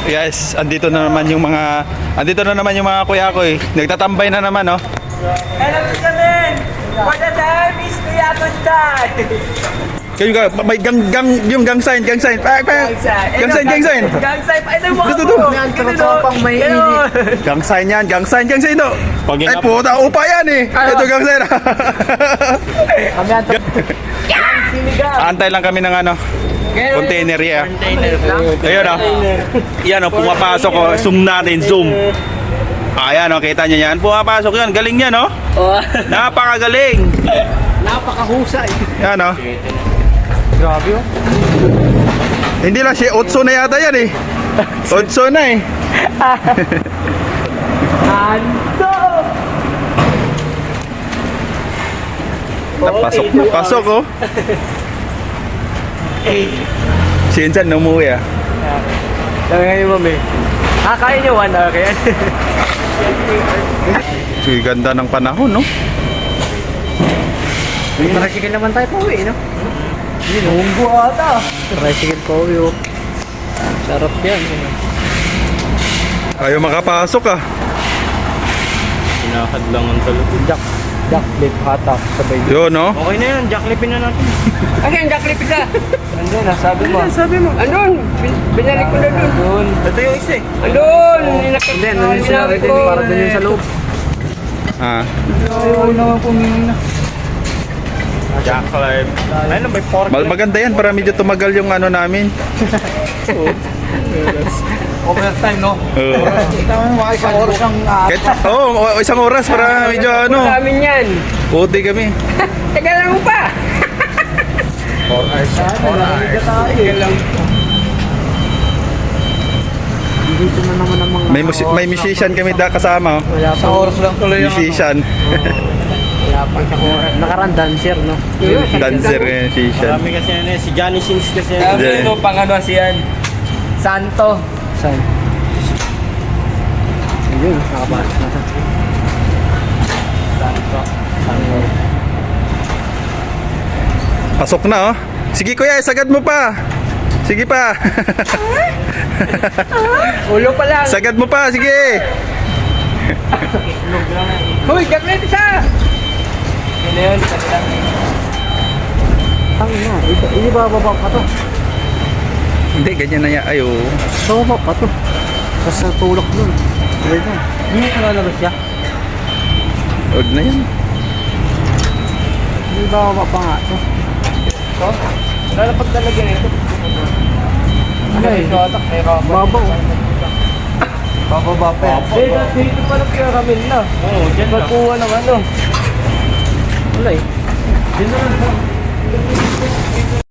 Yes, andito na naman yung mga kuya ko eh. Nagtatambay na naman, no? Hello, Mr. Men! For the time is Kuya Kuntan! Kayo ka, may gang sign. Gang sign. Gang sign! Ay, ano mo Dito, ako? Tropang may init. Gang sign yan, gang sign to. Pag Ay, puta, upa yan eh. Ito gang sign. Kami ang Antay lang kami ng ano, container yan. Ayun o. Yan o, pumapasok o. Zoom natin, zoom. Ayan o, kita nyo yan. Pumapasok yan. Galing yan o. Napakagaling. napakahusay. Yan o. Grabe oh. Hindi lang siya, 8 na yata yan eh. 8 na eh. Ando! Napasok oh. Si Insan na umuwi ah. Sabi ngayon mami. Kaya nyo 1 hour kaya? Sige, ganda ng panahon no. Tricycle naman tayo pauwi, no? Lumbo ata. Tricycle pauwi oh. Sarap yan. Ayaw makapasok ah. Sinakad lang ang talaga. Jacklip hatak sabay. Yun no. Okay na yan, jacklipin na natin. Ano yung jacklip isa? Andun, nasabi mo. Andun! Binalik ko na dun. Andun. Ito yung isa eh. Andun! Hindi, andun yung sinabi din. Para dun yung sa loob. Ah. Ayaw naman pumingi na. Jacklip. Ayun, may pork. Maganda yan para medyo tumagal yung ano namin. Overtime, no? Oo. Tama mo, isang oras ang Isang oras para medyo ano. Amin yan. Puti kami. Teka lang mo pa. 4 hours. Sige lang. Dito na naman ang mga... May musician kami kasama oh. Wala pa. Oras lang tuloy Musician. Wala pa siyang oras. Nakaraan dancer, no? Dancer eh, musician. Marami kasi na si Johnny Sins kasi. Hindi. Ano pang ano siyan? Santo. Saan? Ayun, nakapasok na siya. Pasok na oh. Sige kuya, sagad mo pa. Sige pa. Ulo pa lang. Sagad mo pa, sige. Hoy, jacklip isa! Yun na yun. Kanila. Tangin na, hindi ba bababa pa to? Hindi, ganyan na yan. Ayo. Bababa pa to. Tapos natulak dun. Wait na. Hindi ka lalabas siya? Huwag na yan. Hindi ba bababa pa nga to? Ito? Lalapag talaga nito. Ano eh? May rubber. Babaw. Bababa pa yan. Dito pala caramel na. Oo, dyan lang. Pagkuha ng ano. Wala eh. Dito lang.